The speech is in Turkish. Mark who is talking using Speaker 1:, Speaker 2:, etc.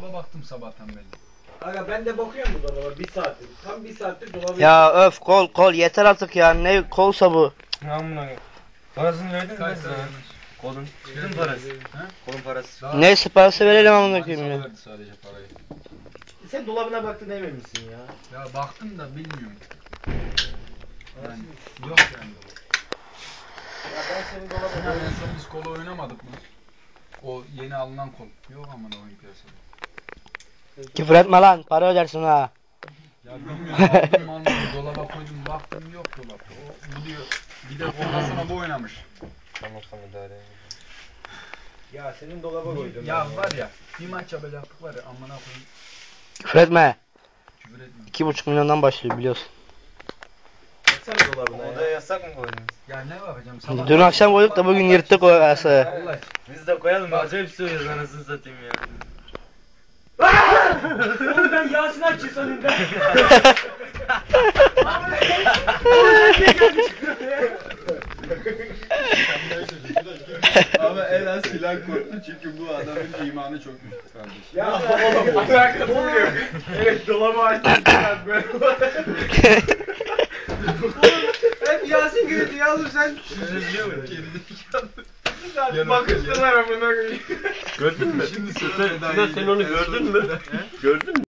Speaker 1: dolaba baktım sabahtan beri.
Speaker 2: Aga ben de bakıyorum bu dolaba 1 saattir. Tam 1 saattir dolaba.
Speaker 3: Ya öf kol yeter artık ya. Ne kolsa bu.
Speaker 4: Amına. Parasını verdin mi
Speaker 1: Kaç
Speaker 4: sen?
Speaker 1: tane yanlış?
Speaker 4: Kolun. Bütün parası.
Speaker 1: Ha?
Speaker 4: Kolun parası.
Speaker 1: Daha-
Speaker 3: Neyse parası verelim amına koyayım ya.
Speaker 1: verdi sadece parayı.
Speaker 2: Sen dolabına baktın emin misin ya?
Speaker 1: Ya baktım da bilmiyorum. Yani yok yani.
Speaker 2: Ya ben senin
Speaker 1: Ya
Speaker 2: dolabına
Speaker 1: en son biz kola oynamadık mı? O yeni alınan kol. Yok aman oyun piyasada.
Speaker 3: Küfür etme lan. Para ödersin ha.
Speaker 1: Ya bilmiyorum aldım dolaba koydum baktım yok dolapta. O gidiyor. Bir de ondan sonra bu oynamış.
Speaker 4: Tamam sana idare.
Speaker 2: Ya senin dolaba koydum.
Speaker 1: Ya var ya bir maç yapacaktık var ya amına koyayım.
Speaker 3: Küfür etme.
Speaker 1: Küfür etme.
Speaker 3: 2,5 milyondan başlıyor biliyorsun.
Speaker 2: Baksana dolabına
Speaker 4: Odaya
Speaker 2: ya.
Speaker 4: yasak mı koydunuz?
Speaker 1: Ya ne yapacağım sabah.
Speaker 3: Dün akşam koyduk da bugün yırttık o arası.
Speaker 1: Allah.
Speaker 4: Biz de koyalım. Acayip söylüyoruz anasını satayım ya.
Speaker 2: Oğlum ben Yasin Akçı sanırım ben.
Speaker 1: Ama en az silah korktu çünkü bu adamın imanı çok güçlü kardeşim.
Speaker 2: Ya oğlum alakası yok. Evet dolabı açtım ben böyle. Hep Yasin gülüyordu ya oğlum sen. Bakıştılar amına koyayım.
Speaker 4: Gördün mü?
Speaker 1: Şimdi
Speaker 4: Sen onu gördün mü? Gördün mü?